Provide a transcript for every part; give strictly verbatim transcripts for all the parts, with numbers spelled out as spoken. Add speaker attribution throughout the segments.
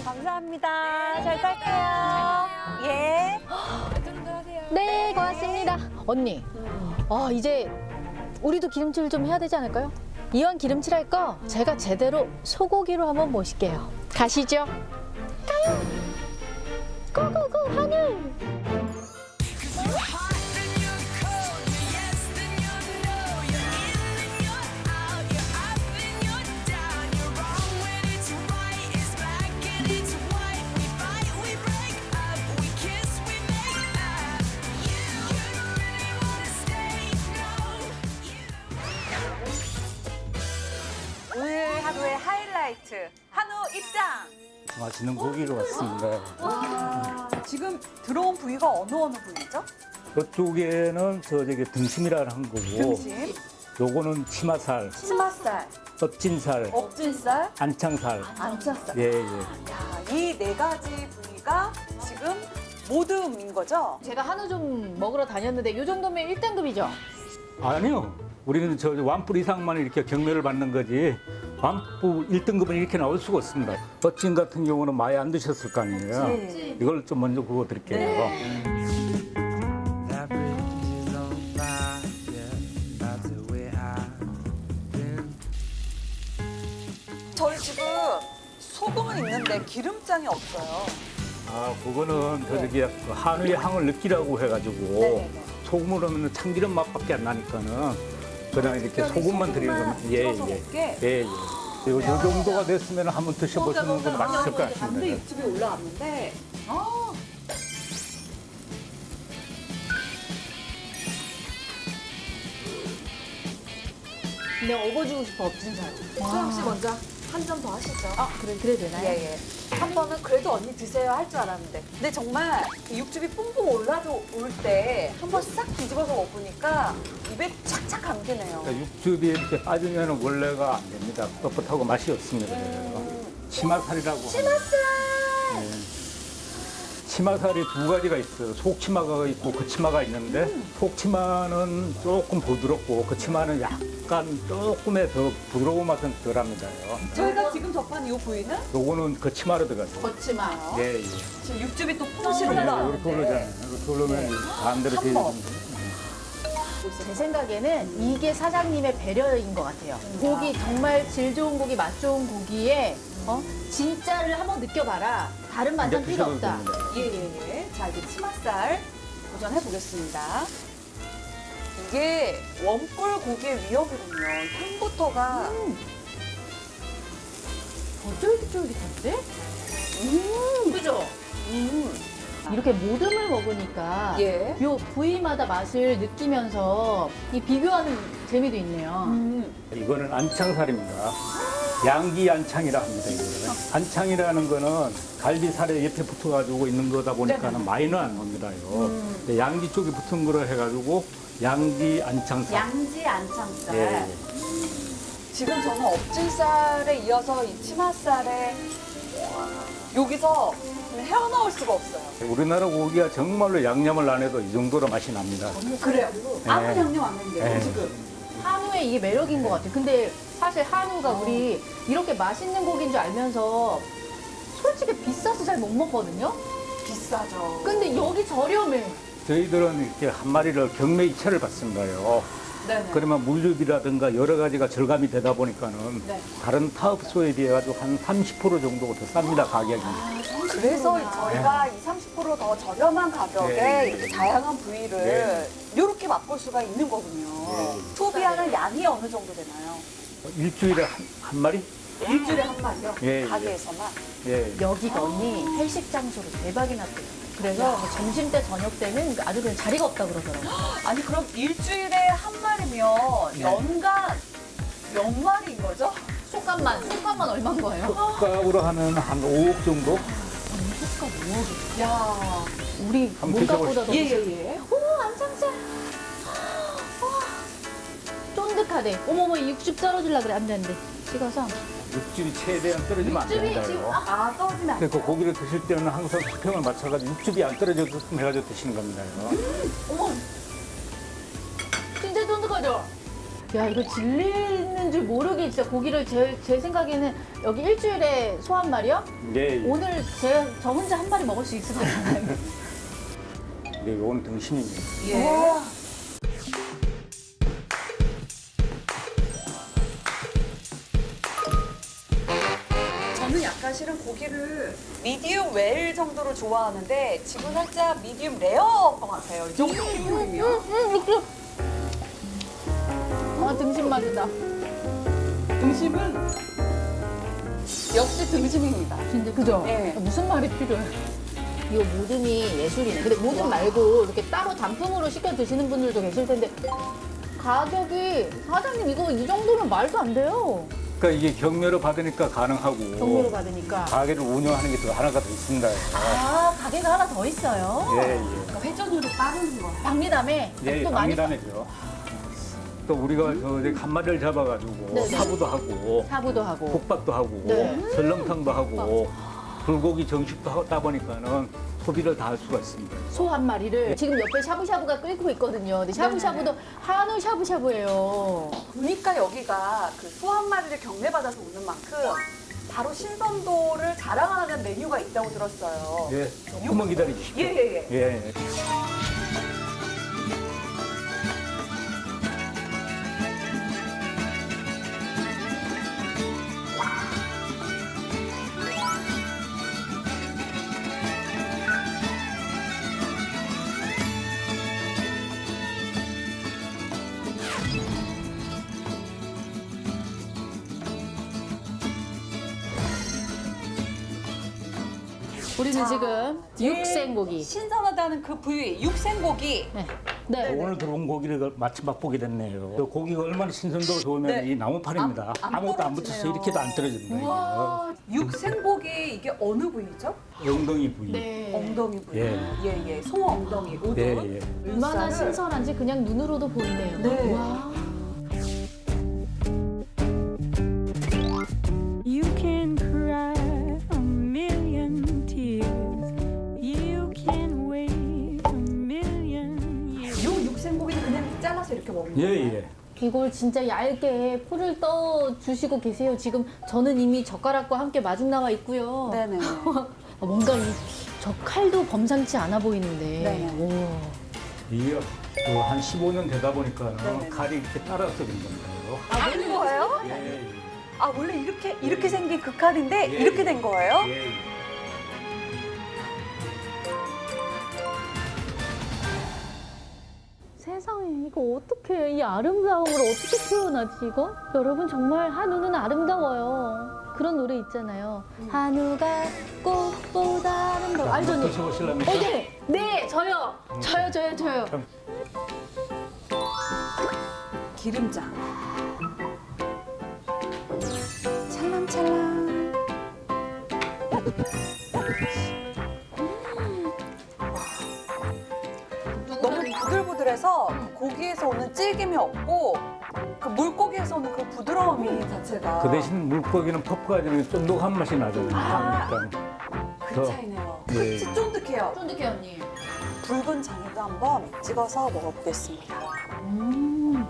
Speaker 1: 감사합니다. 잘 딸게요. 예.
Speaker 2: 네, 고맙습니다. 언니, 아, 이제 우리도 기름칠 좀 해야 되지 않을까요? 이왕 기름칠할 거 제가 제대로 소고기로 한번 모실게요. 가시죠. 가요. 고고고 하늘.
Speaker 1: 오늘 하루의 하이라이트 한우 입장.
Speaker 3: 맛있는 고기로 왔습니다.
Speaker 1: 와, 지금 들어온 부위가 어느 어느 부위죠?
Speaker 3: 이쪽에는 저 저기 등심이라는 거고,
Speaker 1: 등심,
Speaker 3: 요거는 치마살,
Speaker 1: 치맛살,
Speaker 3: 엎진살,
Speaker 1: 엎진살,
Speaker 3: 안창살.
Speaker 1: 안창살.
Speaker 3: 예, 예.
Speaker 1: 야, 이 네 가지 부위가 지금 모듬인 거죠?
Speaker 2: 제가 한우 좀 먹으러 다녔는데 이 정도면 일 등급이죠?
Speaker 3: 아니요. 우리는 저 완뿔 이상만 이렇게 경매를 받는 거지, 완뿔 일 등급은 이렇게 나올 수가 없습니다. 엎진 같은 경우는 많이 안 드셨을 거 아니에요.
Speaker 1: 네.
Speaker 3: 이걸 좀 먼저 구워 드릴게요.
Speaker 4: That bridge is on fire. That's the way I've been.
Speaker 1: 저희 지금 소금은 있는데 기름장이 없어요.
Speaker 3: 아, 그거는 저 저기 그 한우의 향을 느끼라고 해가지고
Speaker 1: 네네네.
Speaker 3: 소금으로 하면 참기름 맛밖에 안 나니까는 그냥 이렇게
Speaker 1: 특별히
Speaker 3: 소금만 드리는
Speaker 1: 소금만
Speaker 3: 겁니다. 예,
Speaker 1: 찍어서
Speaker 3: 예.
Speaker 1: 먹게?
Speaker 3: 예, 예. 요, 요 정도가 됐으면 한번 드셔보시는 건 맛있을 것
Speaker 1: 반대
Speaker 3: 같습니다.
Speaker 1: 육즙이 올라왔는데 아.
Speaker 2: 내가 업어주고 싶어, 엎진살.
Speaker 1: 수영 씨 먼저 한 점 더 하시죠.
Speaker 2: 아, 그래, 그래 되나요?
Speaker 1: 예, 예. 한 번은 그래도 언니 드세요 할 줄 알았는데. 근데 정말 이 육즙이 뿜뿜 올라올 때 한 번 싹 뒤집어서 먹으니까 입에 착착 감기네요.
Speaker 3: 그러니까 육즙이 이렇게 빠지면 원래가 안 됩니다. 뻣뻣하고 맛이 없습니다. 치마살이라고. 치마살! 치마살이 두 가지가 있어요. 속치마가 있고 그치마가 있는데 속치마는 조금 부드럽고 그치마는 약간 조금의 더 부드러운 맛은 덜합니다.
Speaker 1: 저희가 지금 접한 이 부위는
Speaker 3: 요거는 그치마로 들어가죠.
Speaker 2: 걷지마.
Speaker 3: 예, 예.
Speaker 1: 지금 육즙이 또 풍실
Speaker 3: 네, 이렇게
Speaker 1: 올라오는데
Speaker 3: 올라오잖아요. 이렇게 올라오면 반대로
Speaker 1: 한
Speaker 3: 뒤에
Speaker 1: 번.
Speaker 2: 제 생각에는 이게 사장님의 배려인 것 같아요. 고기 정말 질 좋은 고기, 맛 좋은 고기에 어? 진짜를 한번 느껴봐라. 다른 반찬
Speaker 3: 이제
Speaker 2: 필요
Speaker 3: 드셔도
Speaker 2: 없다.
Speaker 3: 됩니다.
Speaker 1: 예, 예, 예. 자, 이제 치맛살 도전해 보겠습니다. 이게 원뿔 고기의 위협이군요. 향부터가
Speaker 2: 더 쫄깃쫄깃한데?
Speaker 1: 음,
Speaker 2: 그죠?
Speaker 1: 음.
Speaker 2: 이렇게 모듬을 먹으니까
Speaker 1: 예.
Speaker 2: 요 부위마다 맛을 느끼면서 이 비교하는 재미도 있네요.
Speaker 1: 음.
Speaker 3: 이거는 안창살입니다. 양기 안창이라 합니다. 이거는. 안창이라는 거는 갈비살에 옆에 붙어가지고 있는 거다 보니까는 많이는 안 옵니다. 이거. 근데 양기 쪽에 붙은 거로 해가지고 양기 안창살.
Speaker 1: 양지 안창살.
Speaker 3: 예, 예.
Speaker 1: 지금 저는 엎질살에 이어서 이 치맛살에 여기서 헤어나올 수가 없어요.
Speaker 3: 우리나라 고기가 정말로 양념을 안 해도 이 정도로 맛이 납니다.
Speaker 1: 그래요. 아무
Speaker 3: 네.
Speaker 1: 양념 안 했는데요,
Speaker 3: 네.
Speaker 1: 지금.
Speaker 2: 한우의 이게 매력인 것 같아요. 근데 사실 한우가 우리 이렇게 맛있는 고기인 줄 알면서 솔직히 비싸서 잘 못 먹거든요.
Speaker 1: 비싸죠.
Speaker 2: 근데 여기 저렴해.
Speaker 3: 저희들은 이렇게 한 마리를 경매 이체를 받습니다요.
Speaker 1: 네네.
Speaker 3: 그러면 물류비라든가 여러 가지가 절감이 되다 보니까는
Speaker 1: 네.
Speaker 3: 다른 타업소에 비해 가지고 한 삼십 퍼센트 정도 더 쌉니다, 가격이.
Speaker 1: 그래서 저희가 이 삼십 퍼센트 더 저렴한 가격에
Speaker 3: 네.
Speaker 1: 이렇게 다양한 부위를
Speaker 3: 네.
Speaker 1: 이렇게 맛볼 수가 있는 거군요.
Speaker 3: 네.
Speaker 1: 소비하는 양이 어느 정도 되나요?
Speaker 3: 일주일에 한, 한 마리?
Speaker 1: 일주일에 한 마리요?
Speaker 3: 예, 예.
Speaker 1: 가게에서만?
Speaker 3: 예.
Speaker 2: 여기가 언니 회식 장소로 대박이 났대요. 그래서 뭐 점심 때 저녁 때는 아주 그냥 자리가 없다 그러더라고요.
Speaker 1: 아니 그럼 일주일에 한 마리면
Speaker 3: 네.
Speaker 1: 연간 몇 마리인 거죠?
Speaker 2: 속값만, 속값만 얼마인 거예요?
Speaker 3: 값으로 하면 한 오억 정도?
Speaker 2: 속값 오억이.
Speaker 1: 야,
Speaker 2: 우리
Speaker 3: 한번
Speaker 2: 몸값보다 더.
Speaker 1: 예예예.
Speaker 2: 오, 안창살. 와, 쫀득하대. 어머머, 이 육즙 떨어질라 그래. 안 돼, 안 돼. 찍어서.
Speaker 3: 육즙이 최대한 떨어지면 안
Speaker 2: 육즙이 지금,
Speaker 3: 된다요.
Speaker 1: 아 떨어지면 안 돼.
Speaker 3: 그래서 고기를 드실 때는 항상 수평을 맞춰가지고 육즙이 안 떨어져게끔 해가지고 드시는 겁니다.
Speaker 2: 어머. 진짜 쫀득하죠? 야, 이거 질리는 줄 모르게 진짜 고기를 제, 제 생각에는 여기 일주일에 소 한 마리요?
Speaker 3: 예, 예.
Speaker 2: 오늘 제, 저 혼자 한 마리 먹을 수 있을 것 같아요.
Speaker 3: 네, 이건 등심입니다.
Speaker 1: 예. 저는 약간 실은 고기를 미디움 웰 정도로 좋아하는데 지금 살짝 미디움 레어인 것 같아요. 이 정도 기분이면.
Speaker 2: 아, 등심 맛이다.
Speaker 1: 등심은 역시 등심입니다.
Speaker 2: 진짜, 그죠?
Speaker 1: 예.
Speaker 2: 무슨 말이 필요해? 이거 모듬이 예술이네. 근데 모듬 말고 이렇게 따로 단품으로 시켜 드시는 분들도 계실 텐데 가격이 사장님 이거 이 정도면 말도 안 돼요.
Speaker 3: 그러니까 이게 경매로 받으니까 가능하고
Speaker 2: 경매로 받으니까.
Speaker 3: 가게를 운영하는 게 더 하나가 더 있습니다.
Speaker 2: 아, 가게가 하나 더 있어요.
Speaker 3: 예, 예.
Speaker 1: 그러니까 회전율이 빠르는 거예요.
Speaker 2: 박리담에
Speaker 3: 예,
Speaker 2: 또 많이
Speaker 3: 강미담이죠. 또 우리가 저 이제 한 마리를 잡아가지고
Speaker 2: 네네.
Speaker 3: 사부도 하고
Speaker 2: 사부도 하고.
Speaker 3: 국밥도 하고
Speaker 2: 네.
Speaker 3: 설렁탕도 하고 불고기 정식도 하다 보니까는 소비를 다 할 수가 있습니다.
Speaker 2: 소 한 마리를 지금 옆에 샤브샤브가 끓고 있거든요. 근데 샤브샤브도 한우 샤브샤브예요.
Speaker 1: 보니까 여기가 그 소 한 마리를 경매받아서 오는 만큼 바로 신선도를 자랑하는 메뉴가 있다고 들었어요.
Speaker 3: 예, 조금만 기다리십시오.
Speaker 1: 예, 예, 예.
Speaker 3: 예.
Speaker 2: 우리는 지금 육생고기.
Speaker 1: 신선하다는 그 부위, 육생고기.
Speaker 2: 네. 네.
Speaker 3: 오늘 들어온 고기를 마침 맛보게 됐네요. 그 고기가 얼마나 신선도가 좋으면
Speaker 1: 네.
Speaker 3: 이 나무판입니다.
Speaker 1: 안- 안
Speaker 3: 아무것도 안
Speaker 1: 떨어지네요.
Speaker 3: 붙었어요. 이렇게도 안 떨어집니다.
Speaker 1: 와, 육생고기 이게 어느 부위죠?
Speaker 3: 이거. 엉덩이 부위.
Speaker 2: 네.
Speaker 1: 엉덩이 부위.
Speaker 3: 예.
Speaker 1: 예, 예. 소 엉덩이, 우둔.
Speaker 3: 예, 예.
Speaker 2: 얼마나
Speaker 1: 쌀을.
Speaker 2: 신선한지 그냥 눈으로도 보이네요.
Speaker 1: 네.
Speaker 2: 와.
Speaker 5: You can cry a million tears. You can wait a million years.
Speaker 1: 요 육생고기는 그냥 잘라서 이렇게 먹는
Speaker 3: 예,
Speaker 1: 거예요?
Speaker 3: 예.
Speaker 2: 이걸 진짜 얇게 풀을 떠 주시고 계세요. 지금 저는 이미 젓가락과 함께 마중 나와 있고요.
Speaker 1: 네네.
Speaker 2: 아, 뭔가 이 저 칼도 범상치 않아 보이는데.
Speaker 1: 네네.
Speaker 2: 오.
Speaker 3: 이게 그 한 십오 년 되다 보니까
Speaker 1: 네네.
Speaker 3: 칼이 이렇게 따라서 된 겁니다.
Speaker 1: 아, 그런 거예요?
Speaker 3: 예, 예.
Speaker 1: 아, 원래 이렇게, 이렇게 생긴 그 칼인데
Speaker 3: 예,
Speaker 1: 이렇게
Speaker 3: 예.
Speaker 1: 된 거예요?
Speaker 3: 예, 예.
Speaker 2: 세상에 이거 어떻게 이 아름다움을 어떻게 표현하지 이거? 여러분 정말 한우는 아름다워요. 그런 노래 있잖아요. 한우가 꽃보다 아름다워. 알죠? 언니?
Speaker 3: 드셔보실랍니까?
Speaker 2: 어, 네, 네, 저요, 저요, 저요, 저요.
Speaker 3: 참.
Speaker 1: 기름장. 찰랑찰랑. 너무 부들부들해서 고기에서 오는 질김이 없고 그 물고기에서 오는 그 부드러움이 자체가
Speaker 3: 그 대신 물고기는 퍼프가 되면 쫀득한 맛이 나잖아요.
Speaker 1: 아.
Speaker 3: 그러니까
Speaker 1: 그
Speaker 3: 더-
Speaker 1: 차이네요.
Speaker 3: 예.
Speaker 1: 그치, 쫀득해요.
Speaker 2: 쫀득해 언니.
Speaker 1: 붉은 장에도 한번 찍어서 먹어보겠습니다.
Speaker 2: 음.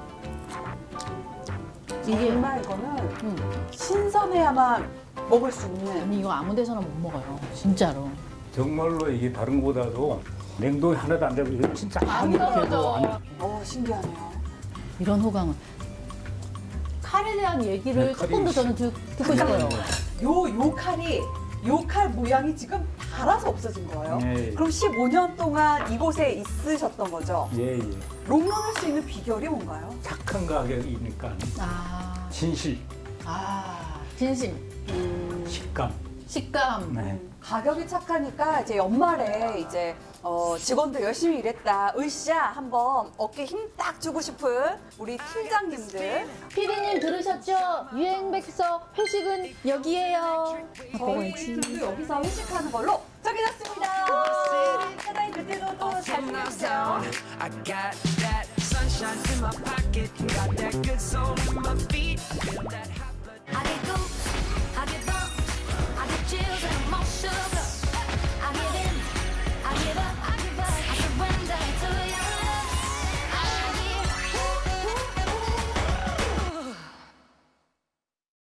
Speaker 2: 이게
Speaker 1: 정말 이거는
Speaker 2: 음.
Speaker 1: 신선해야만 먹을 수 있는
Speaker 2: 언니 이거 아무 데서나 못 먹어요. 진짜로.
Speaker 3: 정말로 이게 다른 것보다도 냉동이 하나도 안 되고 이거 진짜
Speaker 2: 안
Speaker 3: 아무렇게도
Speaker 2: 떨어져.
Speaker 3: 안
Speaker 1: 어 신기하네요.
Speaker 2: 이런 호강은 칼에 대한 얘기를
Speaker 3: 네, 칼이
Speaker 2: 조금 더 저는 듣, 듣고 싶어요.
Speaker 1: 요, 요 칼이, 요 칼 모양이 지금 닳아서 없어진 거예요.
Speaker 3: 예.
Speaker 1: 그럼 십오 년 동안 이곳에 있으셨던 거죠?
Speaker 3: 예, 예.
Speaker 1: 롱런할 수 있는 비결이 뭔가요?
Speaker 3: 착한 가격이니까
Speaker 2: 아,
Speaker 3: 진실,
Speaker 2: 아, 진심,
Speaker 3: 식감.
Speaker 2: 식감.
Speaker 3: 네.
Speaker 1: 가격이 착하니까 이제 연말에 이제 어, 직원들 열심히 일했다. 으쌰 한번 어깨 힘 딱 주고 싶은 우리 팀장님들.
Speaker 2: 피디님 들으셨죠? 유행백서 회식은 여기에요.
Speaker 1: 저희 팀도 여기서 회식하는 걸로 정해졌습니다. 사장님 그때도 또 잘 부탁드려요.
Speaker 4: I got that sunshine in my pocket, got that good soul in my feet. Feel that hot blood.
Speaker 6: I get goosed, I get bumps, I get chills in the